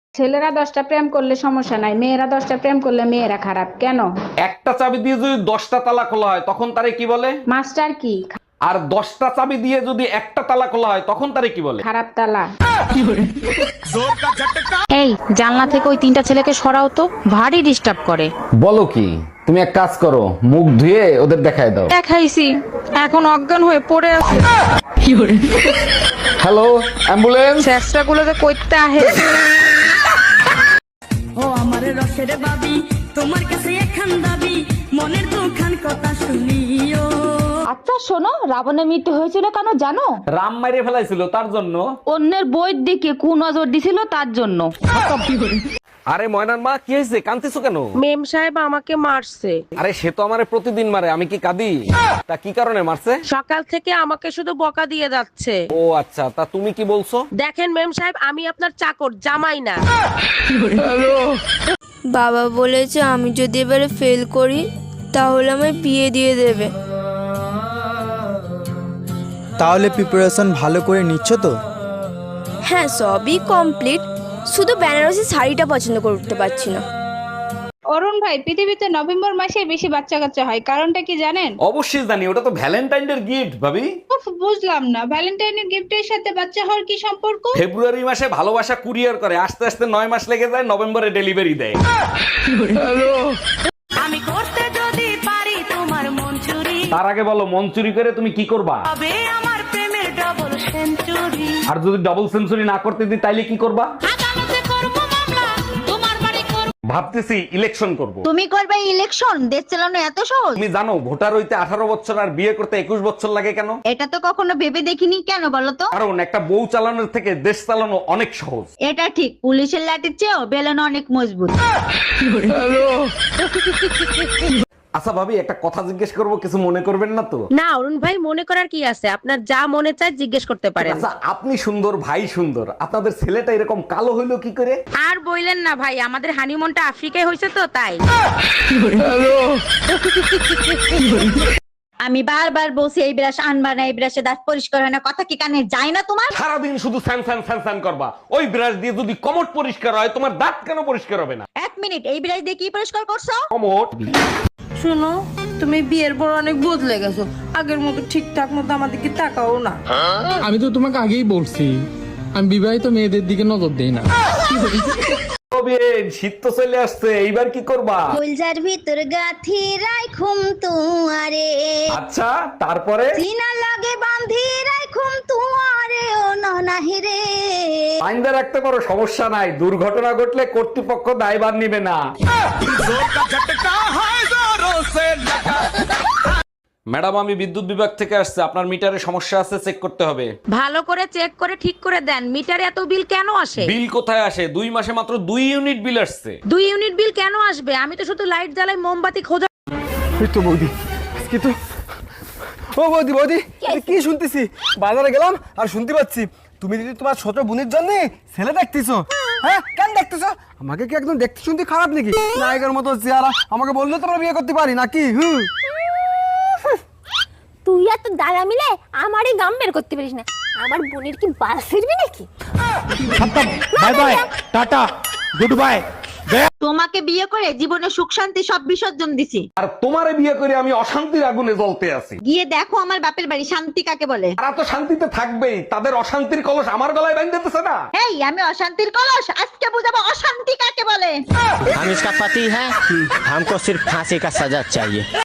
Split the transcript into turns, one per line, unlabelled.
ছেলেরা 10টা প্রেম করলে সমস্যা নাই, মেয়েরা 10টা প্রেম করলে মেয়েরা খারাপ কেন?
একটা চাবি দিয়ে যদি 10টা তালা খোলা হয় তখন তারে কি বলে?
মাস্টার কি?
আর 10টা চাবি দিয়ে যদি একটা তালা খোলা হয় তখন তারে কি বলে?
খারাপ তালা।
এই জানলা থেকে ওই তিনটা ছেলেকে সরাও তো, ভারী ডিস্টার্ব করে।
বলো কি? তুমি এক কাজ করো, মুখ ধুয়ে ওদের দেখায় দাও।
দেখাইছি, এখন অজ্ঞান হয়ে পড়ে আছে।
Hello, ambulance.
চেষ্টা গুলোতে কইতে আহে।
ও আমার রসের বাবি, তোমার কাছে একখান দাবি, মনের দুখান কথা শুনিও।
আচ্ছা শোনো, রাবণের মৃত্যু হয়েছিল কেন জানো?
রাম মাইরে ফেলাইছিল তার জন্য।
অন্যের বইয়ের দিকে কুনজর দিছিল তার জন্য।
আরে ময়নার মা, কি হয়েছে? কাঁদতেছো কেন?
মেম সাহেব আমাকে মারছে।
আরে সে তো আমারে প্রতিদিন মারে, আমি কি কাঁদি? তা কি কারণে মারছে?
সকাল থেকে আমাকে শুধু বকা দিয়ে যাচ্ছে।
ও আচ্ছা, তা তুমি কি বলছো?
দেখেন মেম সাহেব, আমি আপনার চাকর, জামাই না।
বাবা বলেছে আমি যদি এবারে ফেল করি তাহলে আমায় বিয়ে দিয়ে দেবে।
তাহলে প্রিপারেশন ভালো করে নিচ্ছ তো?
হ্যাঁ সবই কমপ্লিট, শুধু বেনারসি শাড়িটা পছন্দ করতে পারছি না।
অরুণ ভাই, পৃথিবীতে নভেম্বর মাসে বেশি বাচ্চা কাচ্চা হয়, কারণটা কি জানেন?
অবশ্যই জানি, ওটা তো ভ্যালেন্টাইনের গিফট ভাবি।
উফ, বুঝলাম না, ভ্যালেন্টাইনের গিফটের সাথে বাচ্চা হওয়ার কি সম্পর্ক?
ফেব্রুয়ারি মাসে ভালোবাসা কুরিয়ার করে, আস্তে আস্তে 9 মাস লেগে যায়, নভেম্বরে ডেলিভারি দেয়।
আমি করতে যদি পারি তোমার মন চুরি,
তার আগে বলো, মন চুরি করে তুমি কি করবা?
তবে আমার প্রেমের ডবল সেঞ্চুরি।
আর যদি ডাবল সেঞ্চুরি না করতে দিই তাইলে কি করবা?
আদালতে করবো মামলা, তোমার বাড়ি করবো।
ভাবতেছি ইলেকশন করব।
তুমি করবে ইলেকশন? দেশ চালানো এত সহজ?
তুমি জানো ভোটার হইতে 18 বছর আর বিয়ে করতে 21 বছর লাগে কেন?
এটা তো কখনো ভেবে দেখিনি, কেন বলো তো?
কারণ একটা বউ চালানোর থেকে দেশ চালানো অনেক সহজ।
এটা ঠিক, পুলিশের লাঠির চেয়েও বেলুন অনেক মজবুত।
আচ্ছা ভাবি, একটা কথা জিজ্ঞেস করব, কিছু মনে করবেন না তো?
না অরুণ ভাই, মনে করার কি আছে, আপনার যা মনে চায় জিজ্ঞেস করতে পারেন।
আচ্ছা, আপনি সুন্দর, ভাই সুন্দর, আপনাদের ছেলেটা এরকম কালো হইলো কি করে?
আর বইলেন না ভাই, আমাদের হানিমুনটা আফ্রিকায় হয়েছে তো তাই।
আমি বারবার বলছি এই ব্রাশ আনবা না, এই ব্রাশে দাঁত পরিষ্কার হয় না, কথা কি কানে যায় না তোমার?
সারাদিন শুধু স্যান স্যান স্যান স্যান করবা। ওই ব্রাশ দিয়ে যদি কমট পরিষ্কার হয়, তোমার দাঁত কেন পরিষ্কার হবে না?
এক মিনিট, এই ব্রাশ দিয়ে কি পরিষ্কার করছো?
কমট।
শুনো, তুমি বিয়ের পর অনেক বদলে গেছো, আগের মতো ঠিকঠাক মতো আমাদেরকে তাকাও না।
আমি তো তোমাকে আগেই বলছি আমি বিবাহিত মেয়েদের দিকে নজর দেই না।
শীত তো চলে আসছে, এইবার কি করবা?
ফুলজার ভিতর গাথি রাইখুম তুয়ারে,
আচ্ছা, তারপরে?
সিনা লাগে বাঁধি রাইখুম তুয়ারে, ও ননাহি রে।
আইনদা রাখতে পারো, সমস্যা নাই, দুর্ঘটনা ঘটলে কর্তৃপক্ষ দায়ভার নিবে না। ম্যাডাম, আমি বিদ্যুৎ বিভাগ থেকে আসছে, আপনার মিটারে সমস্যা আছে, চেক করতে হবে।
ভালো করে চেক করে ঠিক করে দেন, মিটারে এত বিল কেন আসে?
বিল কোথায় আসে? 2 মাসে মাত্র 2 ইউনিট বিল আসছে।
2 ইউনিট বিল কেন আসবে? আমি তো শুধু লাইট জ্বালাই, মোমবাতি খোঁজা।
এই তো বৌদি, আজকে তো ও বৌদি বৌদি, এটা কি শুনতেছি? বাজারে গেলাম আর শুনতে পাচ্ছি তুমি যদি তোমার ছোট বোনের জন্য ছেলে দেখতেছো। হ্যাঁ, কেন দেখতেছো? আমাকে কি একদম দেখতে শুনতে খারাপ নাকি? নায়কের মতো চেহারা, আমাকে বললে তোমরা বিয়ে করতে পারি নাকি?
তুই আর তোর দাদা মিলে আমারই গাম বের করতে পারিস না। আমার বোনের কি বাল ফিরবি নাকি?
Bye bye, tata, good bye.
তোমাকে বিয়ে করে জীবনে সুখ শান্তি সব বিসর্জন দিছি।
আর তোমারে বিয়ে করে আমি অশান্তির আগুনে জ্বলতে আছি।
গিয়ে দেখো আমার বাপের বাড়ি, শান্তি কাকে বলে?
তারা তো শান্তিতে থাকবেই, তাদের অশান্তির কলস আমার গলায় বাঁধতেছে না।
এই আমি অশান্তির কলস, আজকে বুঝাবো অশান্তি কাকে বলে।
हम इसका पति है, हमको सिर्फ फांसी का सजा चाहिए।